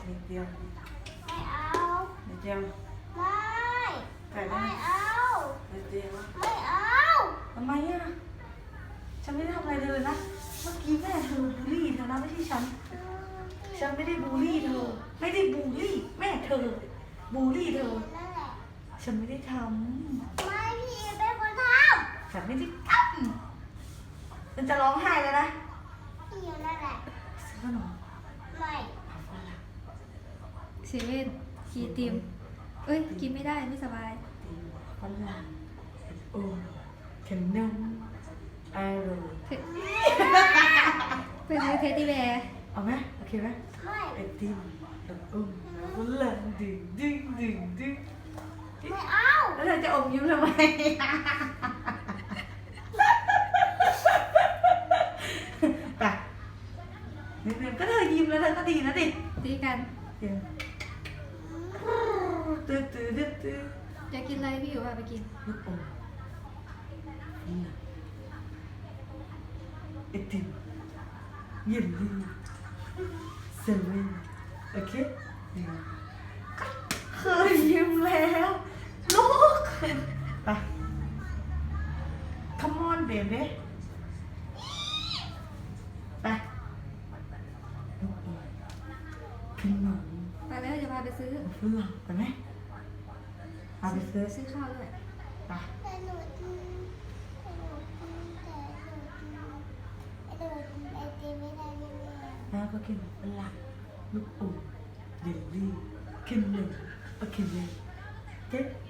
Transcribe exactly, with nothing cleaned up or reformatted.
นิดเดียวไม่เอานิดเดียวไม่ไม่เอานิดเดียวไม่เอาทำไมอ่ะฉันไม่ได้ทำอะไรเธอเลยนะเมื่อกี้แม่เธอบูลลี่เธอนะไม่ใช่ฉันฉันไม่ได้บูลลี่เธอไม่ได้บูลลี่แม่เธอบูลลี่เธอนั่นแหละฉันไม่ได้ทไม่พี่เป็นคนทำฉันไม่ได้ทำฉันจะร้องไห้แล้วนะำพี่นั่นแหละซื้อขนมไม่เอาฝรั่งเซเว่นคีติมเอ้ย กินไม่ได้ไม่สบายตีฝรั่งโอ้ขนมอร่อยเทเป็นเทดดี้แบร์เอาไหมโอเคไหมไม่ไอติมแล้วอมแล้วฝรั่งดึงดึงดึงดึงไม่เอาแล้วเธอจะอมยิ้มทำไม ไปนิดนึงก็เธอยิ้มแล้วเธอก็ดีนะดิตีกันเดี๋ยวตื้อตื้อตื้อตื้ออยากกินอะไรพี่อยู่ว่าไปกินลูกอมนี่ไอติมเย็นดีเซเว่นโอเคเดี๋ยวเคยยิ้มแล้วลูกไป come on baby ไปลูกอมขนมไปแล้วจะพาไปซื้อฝรั่งไปไหมพาไปซื้อซื้อข้าวด้วยไปแต่หนูกินแต่หนูกินแต่หนูกินไอติมไม่ได้เลยแล้วก็กินฝรั่งลูกอมเยลลี่ขนมโอเคเลยเจ๊